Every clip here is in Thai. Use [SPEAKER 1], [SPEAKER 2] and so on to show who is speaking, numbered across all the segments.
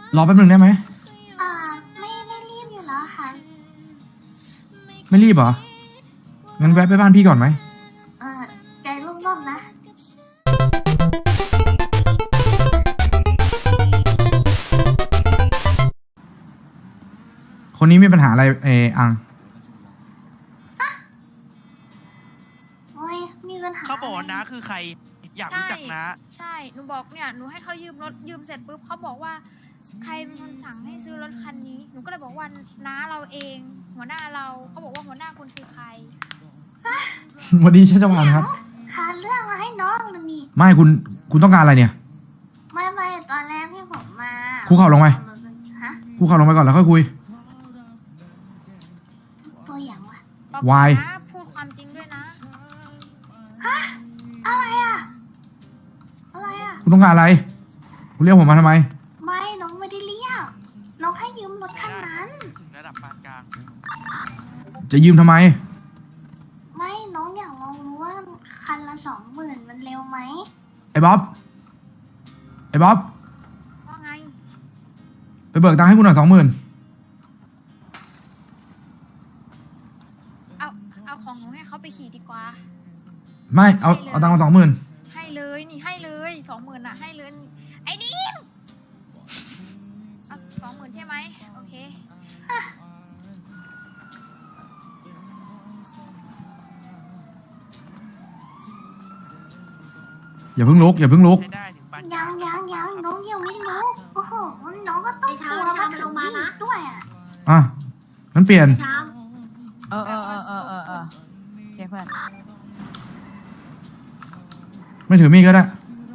[SPEAKER 1] รอแป๊บนึงได้ไหม
[SPEAKER 2] ไม่รีบอยู่แล้วค่ะ
[SPEAKER 1] ไม่รีบเหรองั้นแวะไปบ้านพี่ก่อนไหม
[SPEAKER 2] ใจร่มๆนะ
[SPEAKER 1] คนนี้มีปัญหาอะไรอัง
[SPEAKER 2] โอ้ยมีปัญหา
[SPEAKER 3] เขาบอกว่าน้าคือใครอยากรู้จักน้า
[SPEAKER 4] ใช่หนูบอกเนี่ยหนูให้เขายืมรถยืมเสร็จปุ๊บเขาบอกว่าใครเป็นคนสั่งให้ซื้อรถคันนี้หนูก็เลยบอกว่าน้าเราเองหัวหน้าเราเขาบอกว่าหัวหน้าคุณคือใคร
[SPEAKER 1] วันนี้ชัชวานครับ
[SPEAKER 2] หาเรื่องมาให้น้องนะมี
[SPEAKER 1] ไม่คุณต้องการอะไรเนี่ย
[SPEAKER 2] ไม่ตอนแรกที่ผมมา
[SPEAKER 1] คุกเข่าลงไป
[SPEAKER 2] ฮะ
[SPEAKER 1] คุกเข่าลงไปก่อนแล้วค่อยคุย
[SPEAKER 2] ตัวอย่างวะ
[SPEAKER 4] บอก
[SPEAKER 1] วาย
[SPEAKER 4] นะพูดความจริงด้วยนะ
[SPEAKER 2] อะไรอะ
[SPEAKER 1] คุณต้องการอะไรคุณเรียกผมมาทำไม
[SPEAKER 2] ไม่น้องไม่ได้เรียกน้องให้ยืมรถคันนั้น
[SPEAKER 3] ระดับปานกลาง
[SPEAKER 1] จะยืมทำไม
[SPEAKER 2] ไม่น้องอยากลองรู้ว่าคันละ20,000มันเร็วไหม
[SPEAKER 1] ไอ้บ๊อบ
[SPEAKER 4] ว่าไง
[SPEAKER 1] ไปเบิกตังค์ให้กูหน่อย20,000
[SPEAKER 4] เอาของหนูให้เขาไปขี่ดีกว่า
[SPEAKER 1] ไม่เอาตังค์มา20,000
[SPEAKER 4] ให้เลยนี่ให้เลย20,000น่ะให้เลยไอ้ดิมเอา20,000ใช่ไหมโอเค
[SPEAKER 1] อย่าเพิ่งลุก
[SPEAKER 3] ใช้ได้ถึงปานกลาง
[SPEAKER 2] ยังน้องยังไม่รู้โอ้โหน้องก็ต้องกลัวมาถึงนี่ด้วยอ่ะ
[SPEAKER 1] อ่ะงั้นเปลี่ยน
[SPEAKER 5] เออเจ๊เพื่อน
[SPEAKER 1] ไม่ถือมีดก็ได้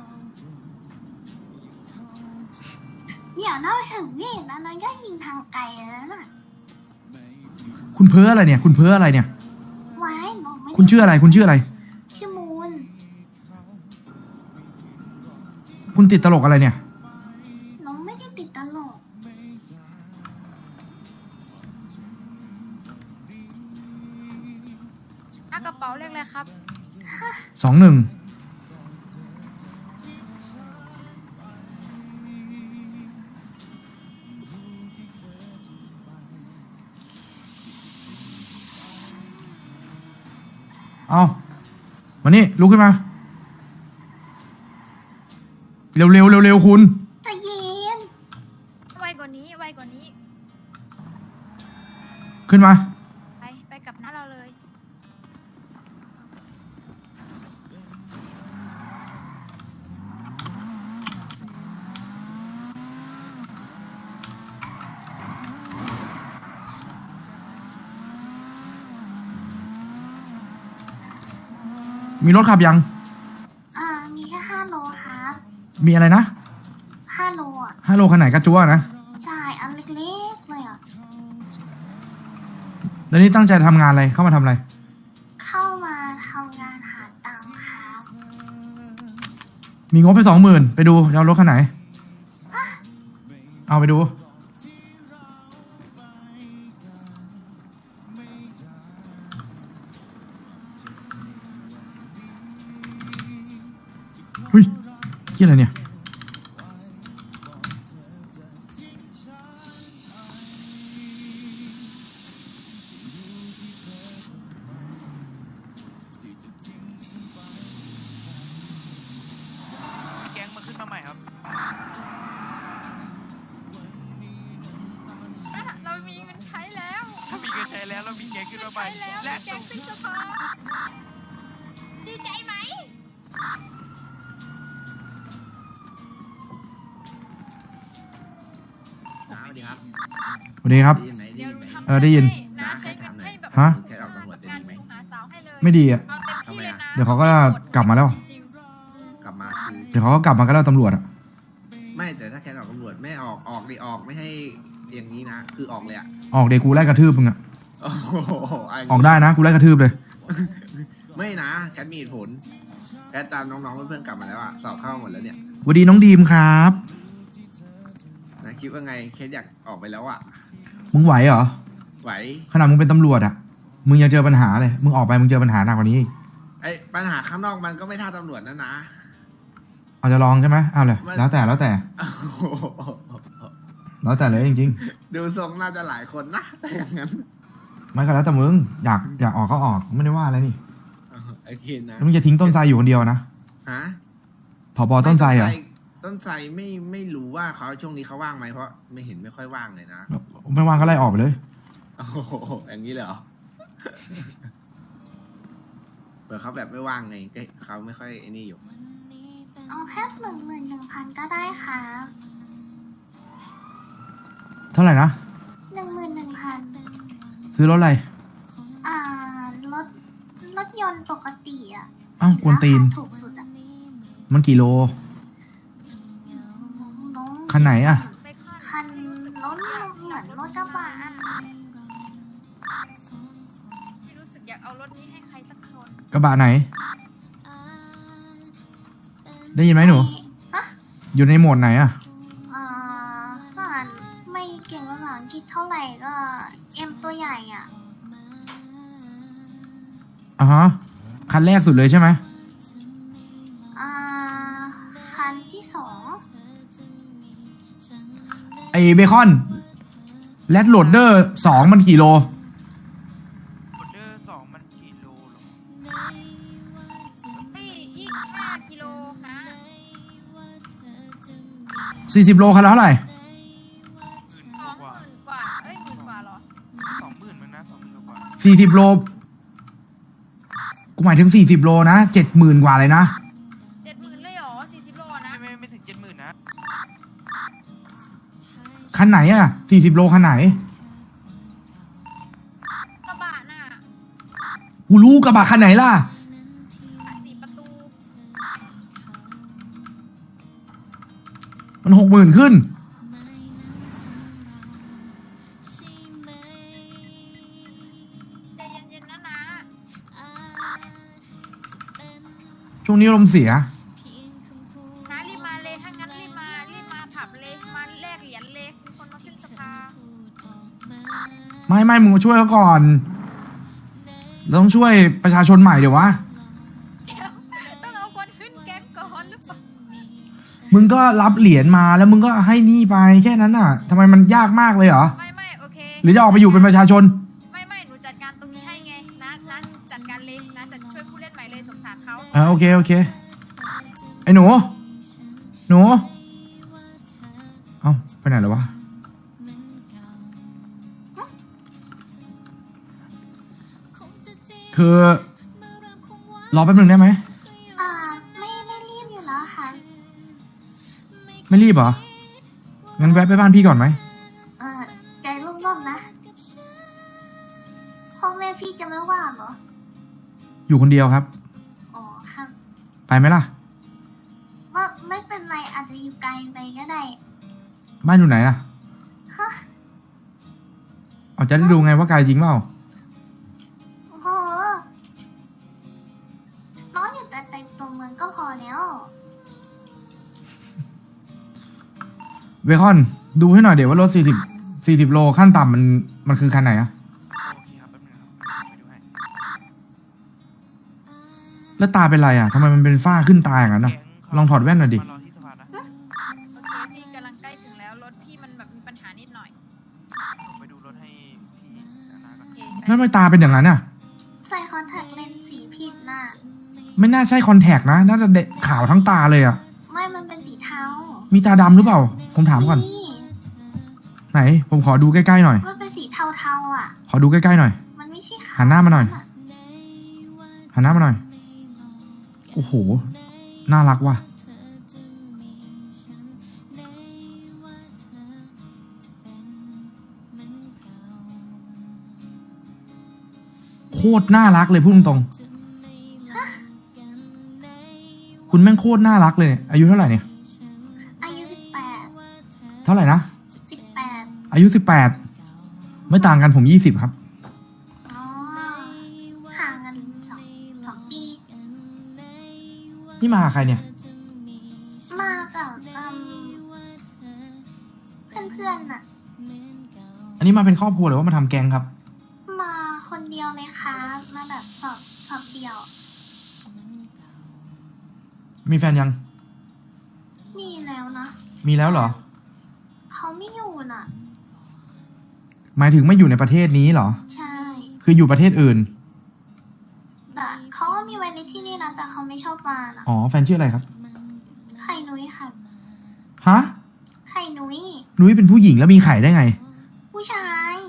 [SPEAKER 2] เดี๋ยวน้องถึงนี่นะน้องก็ยิงทางไกลแล้วน่ะ
[SPEAKER 1] คุณเพ้ออะไรเนี่ย คุณเพ้ออะไรเนี่ย
[SPEAKER 2] ไว้น้องไม่ได้
[SPEAKER 1] คุณชื่ออะไร คุณชื่ออะไร
[SPEAKER 2] ชื่อมูล
[SPEAKER 1] คุณติดตลกอะไรเนี่ย
[SPEAKER 2] น้องไม่ได้ติดตลก
[SPEAKER 4] กระเป๋าเลขอะไรครับ
[SPEAKER 1] 21เอามานี่ลุกขึ้นมา เร็วคุณ
[SPEAKER 2] ใจเย็น
[SPEAKER 4] ไวกว่านี้ไวกว่านี้
[SPEAKER 1] ขึ้นมา
[SPEAKER 4] ไปกับน้าเราเลย
[SPEAKER 1] มีรถขับยัง
[SPEAKER 2] มีแค่5 โลครับ
[SPEAKER 1] มีอะไรนะ
[SPEAKER 2] 5 โลอ่ะ
[SPEAKER 1] 5 โลขนาดไหนกระจัวนะ
[SPEAKER 2] ใช่อันเล็กๆเลยอ่ะ
[SPEAKER 1] แล้วนี่ตั้งใจทำงานอะไร เข้ามาทำอะไร
[SPEAKER 2] เข้ามาทำงานหาตังค์ครับ
[SPEAKER 1] มีงบไป20,000ไปดูจะเอารถคันไหน เอาไปดู เฮ้ยเหี้ยอะไรเนี่ย
[SPEAKER 3] แก๊งมาขึ้นมาใหม่ครับ
[SPEAKER 4] เรามีเงินใช้แล้ว
[SPEAKER 3] ถ้ามีเงินใช้แล้วเรามีแก๊งขึ้นมาใหม่
[SPEAKER 4] ใช้แล้ว
[SPEAKER 3] และ
[SPEAKER 4] แก
[SPEAKER 3] ตุ
[SPEAKER 4] ง
[SPEAKER 3] ก
[SPEAKER 4] ติ๊กเกอร์ดีใจไหม
[SPEAKER 6] สวัสดีครับ
[SPEAKER 1] สวัสดีครับ
[SPEAKER 6] ได้ยินไหม
[SPEAKER 4] เดี๋ยวหนูทำ
[SPEAKER 1] ได้ยิน
[SPEAKER 4] น้าใช้เงินให้แบบ
[SPEAKER 1] ฮะ
[SPEAKER 6] แค่ออกตำรวจได้
[SPEAKER 4] งาน
[SPEAKER 6] ยินไหม
[SPEAKER 4] ดูหาสาวให้เลย
[SPEAKER 1] ไม่ดีอ่ะ
[SPEAKER 4] เอาเต็มที่เลยนะ
[SPEAKER 1] เดี๋ยวเขาก็กลับมาแล้ว
[SPEAKER 4] จริงๆ
[SPEAKER 6] กลับมาคือ
[SPEAKER 1] เดี๋ยวเขาก็กลับมากันแล้วตำรวจอ่ะ
[SPEAKER 6] ไม่แต่ถ้าแค่ออกตำรวจไม่ออกดิออกไม่ให้อย่างนี้นะ คือออกเลยอะ
[SPEAKER 1] ออกเดี๋ยวกูไล่กระทืบมึงอ่ะ
[SPEAKER 6] โอ้โห
[SPEAKER 1] ออกได้นะ กูไล่กระทืบเลย
[SPEAKER 6] ไม่นะแคทมีเหตุผลแคทตามน้องๆเพื่อนๆกลับมาแล้วอะสอบเข้าหมดแล้วเนี่ย
[SPEAKER 1] สวัสดีน้องดีมครับ
[SPEAKER 6] นะคิดว่าไงแคทอยากออกไปแล้วอะ
[SPEAKER 1] มึงไหวเหรอ
[SPEAKER 6] ไหว
[SPEAKER 1] ขนาดมึงเป็นตำรวจอ่ะ มึงยังเจอปัญหาเลย มึงออกไปมึงเจอปัญหาหนักกว่านี้อีก
[SPEAKER 6] ไอ้ปัญหาข้างนอกมันก็ไม่เท่าตำรวจนะนะ
[SPEAKER 1] เอาจะลองใช่ไหมเอาเลย แล้วแต่
[SPEAKER 6] โอ้โห
[SPEAKER 1] แล้วแต่เลยจริง
[SPEAKER 6] ดูทรงน่าจะหลายคนนะแต่อย่างนั้น
[SPEAKER 1] ๆไม่ก็แล้วแต่มึงอยากออกก็ออกไม่ได้ว่าอะไรนี่
[SPEAKER 6] ไอ้คินนะ
[SPEAKER 1] แล้วมึงจะทิ้งต้นไทรอยู่คนเดียวนะ
[SPEAKER 6] ฮะ
[SPEAKER 1] ผบต้นไทรเหรอ
[SPEAKER 6] ต้นไทรไม่รู้ว่าเขาช่วงนี้เขาว่างไหมเพราะไม่เห็นไม่ค่อยว่างเลยนะ
[SPEAKER 1] ไม่ว่างก็ไล่ออกไปเลย
[SPEAKER 6] โอ้โหอย่างนี้เลยเหรอเผื่อเขาแบบไม่ว่างไงก็เขาไม่ค่อยไอ้นี่อยู่
[SPEAKER 2] เอาแค่11,000ก็ได้ครับ
[SPEAKER 1] เท่าไหร่นะ
[SPEAKER 2] 11,000
[SPEAKER 1] ซื้อรถอะไร
[SPEAKER 2] อ่ารถยนต์ปกติอ่ะ
[SPEAKER 1] อ้าวกวนตีน
[SPEAKER 2] ราคาถูกสุดอ่ะ
[SPEAKER 1] มันกี่โล
[SPEAKER 2] น้อง
[SPEAKER 1] คันไหนอะ
[SPEAKER 4] ไปคาด
[SPEAKER 2] คันรถเหมือนรถกระบะอะ
[SPEAKER 4] ไม่รู้สึกอยากเอารถนี้ให้ใครสักคน
[SPEAKER 1] กระบะไหน ได้ยินไหมหนู
[SPEAKER 2] ฮะ
[SPEAKER 1] อยู่ในโหมดไหนอะ
[SPEAKER 2] ก็อ่านไม่เก่งภาษาอังกฤษเท่าไหร่ก็เอ็มตัวใหญ่อ่ะ
[SPEAKER 1] อ่ะฮะคันแรกสุดเลยใช่ไหม
[SPEAKER 2] อ่าคันที่สอง
[SPEAKER 1] ไอเบคอนแรดโหลดเดอร์2มันกี่โล
[SPEAKER 3] ออเดอร์2มันกี่โลหรอ
[SPEAKER 4] ไม่25 กิโลนะ
[SPEAKER 1] 40 โลคันละเท่าไหร่
[SPEAKER 3] 20,000 กว่า
[SPEAKER 4] 20,000 กว่า เอ้ย10,000 กว่าเหรอ
[SPEAKER 3] 20,000มั้งนะ20,000 กว่า
[SPEAKER 1] 40 โล กูหมายถึง40 โลนะ 70,000 กว่าเลยนะ
[SPEAKER 4] 70,000 เลยเหรอ 40 โลนะ
[SPEAKER 3] ไม่ถึง 70,000 นะ
[SPEAKER 1] คันไหนอะ40 โลคันไหน
[SPEAKER 4] กระบะน่ะ
[SPEAKER 1] กูรู้กระบะคันไหนล่ะ
[SPEAKER 4] 4 ประตู
[SPEAKER 1] มัน 60,000 ขึ้น
[SPEAKER 4] ใจเย็นๆนะนะ
[SPEAKER 1] ช่วงนี้ลมณ์เสีย
[SPEAKER 4] นะรีบมาเลย ถ้างั้นรีบมาผับเลย มาแลกเหรียญเลย มีคนมาขึ้นสภา
[SPEAKER 1] ไม่มึงมาช่วยเขาก่อน เราต้องช่วยประชาชนใหม่เดี๋ยววะ
[SPEAKER 4] เดี๋ยวต้องเอาคนขึ้นแก๊งก่อนหรือเปล่า
[SPEAKER 1] มึงก็รับเหรียญมาแล้วมึงก็ให้หนี่ไปแค่นั้นน่ะทำไมมันยากมากเลยเหรอ
[SPEAKER 4] ไม่โอเค
[SPEAKER 1] หรือจะออกไปอยู่เป็นประชาชน
[SPEAKER 4] ไม่หนูจัดการตรงนี้ให้ไงนะจัดการเลยนะจะช่วยผู้เล่นใหม่เลยสงสารเขา
[SPEAKER 1] โอเคไอ้หนูเอ้าไปไหนแล้ววะคือรอแป๊บหนึ่งได้ไหม
[SPEAKER 2] ไม่รีบอยู่แล้วค่ะ
[SPEAKER 1] ไม่รีบเหรองั้นแวะไปบ้านพี่ก่อนไหม
[SPEAKER 2] ใจร่มๆนะพ่อแม่พี่จะไม่ว่าเหรอ
[SPEAKER 1] อยู่คนเดียวครับ
[SPEAKER 2] อ๋อครับ
[SPEAKER 1] ไปไหมล่ะ
[SPEAKER 2] ว่าไม่เป็นไรอาจจะอยู่ไกลไปก็ได้
[SPEAKER 1] บ้านอยู่ไหนอะ
[SPEAKER 2] ฮะ
[SPEAKER 1] เอาจะได้ดูไงว่าไกลจริงเปล่า
[SPEAKER 2] โอ้โหน้องอยู่แต่ตัวเมืองก็พอแล้ว
[SPEAKER 1] เบคอนดูให้หน่อยเดี๋ยวว่ารถ40 โลขั้นต่ำมันคือคันไหนอะ
[SPEAKER 3] โอเคครับแป๊บนึงครับไปดูให้
[SPEAKER 1] แล้วตาเป็นไรอะทำไมมันเป็นฝ้าขึ้นตาอย่างนั้นอะ
[SPEAKER 3] แก๊เขา
[SPEAKER 1] ลองถอดแว่นหน่อยดิ
[SPEAKER 3] มารอที่สภานะ
[SPEAKER 4] โอเคพี่กำลังใกล้ถึงแล้วรถพี่มันแบบมีปัญหานิดหน่อย
[SPEAKER 3] ผมไปดูรถให้พี่นาก่อน
[SPEAKER 4] โอเค
[SPEAKER 1] แล้วทำไมตาเป็นอย่างนั้นอะ
[SPEAKER 2] ใส่คอนแทคเลนส์สีผิดน่ะ
[SPEAKER 1] ไม่น่าใช่คอนแทคนะ น่าจะเด็ขาวทั้งตาเลยอะ
[SPEAKER 2] ไม่มันเป็นสีเทา
[SPEAKER 1] มีตาดำหรือเปล่า ผมถามก่อน
[SPEAKER 2] นี่
[SPEAKER 1] ไหน ผมขอดูใกล้ๆหน่อย
[SPEAKER 2] มันเป็นสีเทาๆอ่ะ
[SPEAKER 1] ขอดูใกล้ๆหน่อย
[SPEAKER 2] มันไม่ใช่ขาว
[SPEAKER 1] หันหน้ามาหน่อย หันหน้ามาหน่อย โอ้โห น่ารักว่ะ โคตรน่ารักเลยพูดตรงๆคุณแม่งโคตรน่ารักเลย อายุเท่าไหร่เนี่ย
[SPEAKER 2] อายุ
[SPEAKER 1] เท่าไหร่นะ
[SPEAKER 2] 18
[SPEAKER 1] อายุ18ไม่ต่างกันผม20ครับ
[SPEAKER 2] อ๋อห่างกันสองปี
[SPEAKER 1] นี่มากับใครเนี่ย
[SPEAKER 2] มากับเพื่อนๆน่ะ
[SPEAKER 1] อันนี้มาเป็นครอบครัวหรือว่ามาทำแกงครับ
[SPEAKER 2] มาคนเดียวเลยค่ะมาแบบสอบเดียว
[SPEAKER 1] มีแฟนยัง
[SPEAKER 2] มีแล้วนะ
[SPEAKER 1] มีแล้วเหรอ
[SPEAKER 2] เขาเขาไม่อยู่น่ะ
[SPEAKER 1] หมายถึงไม่อยู่ในประเทศนี้เหรอ
[SPEAKER 2] ใช่
[SPEAKER 1] คืออยู่ประเทศอื่น
[SPEAKER 2] แต่เขาก็มีไว้ในที่นี่นะแต่เขาไม่ชอบมาน่ะ
[SPEAKER 1] อ๋อ แฟนชื่ออะไรครับ
[SPEAKER 2] ไข่นุ้ยค่ะ
[SPEAKER 1] ฮะ
[SPEAKER 2] ไข่นุ้ย
[SPEAKER 1] นุ้ยเป็นผู้หญิงแล้วมีไข่ได้ไง
[SPEAKER 2] ผู้ชาย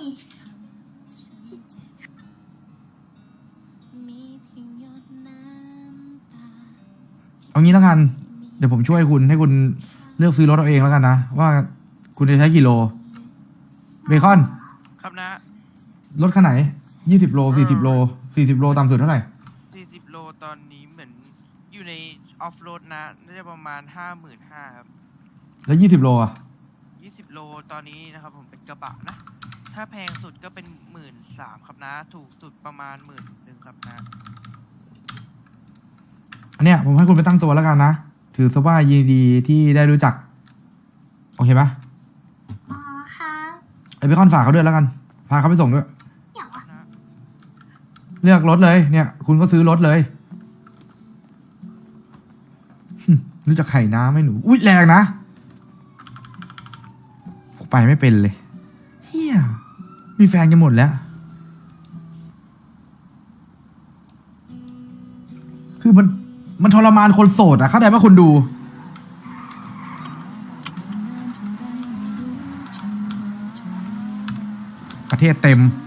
[SPEAKER 1] เอางี้แล้วกัน เดี๋ยวผมช่วยคุณให้คุณเลือกซื้อรถเอาเองแล้วกันนะ ว่าคุณจะใช้กี่โล เบคอน
[SPEAKER 3] ครับนะ
[SPEAKER 1] รถคันไหน20 โล 40 โล 40 โลต่ำสุดเท่าไหร่
[SPEAKER 3] 40 โลตอนนี้เหมือนอยู่ในออฟโรดนะ น่าจะประมาณ 55,000ครับ
[SPEAKER 1] แล้ว20 โลอ่ะ
[SPEAKER 3] 20 โลตอนนี้นะครับผมเป็นกระบะนะ ถ้าแพงสุดก็เป็น 13,000ครับนะ ถูกสุดประมาณ 11,000ครับนะ
[SPEAKER 1] อันเนี้ยผมให้คุณไปตั้งตัวแล้วกันนะ ถือซะว่ายินดีที่ได้รู้จัก โอเคปะ
[SPEAKER 2] อ๋อค่ะ
[SPEAKER 1] ไอเบคอนฝากเขาด้วยแล้วกัน พาเขาไปส่งด้วย
[SPEAKER 2] อย่างวะ
[SPEAKER 3] นะ
[SPEAKER 1] เลือกรถเลย เนี่ย คุณก็ซื้อรถเลย รู้จักไข่น้ำไหมหนู อุ๊ยแรงนะผมไปไม่เป็นเลยเฮียมีแฟนกันหมดแล้ว คือมันทรมานคนโสดอะเข้าใจป่ะคนดู ประเทศเต็ม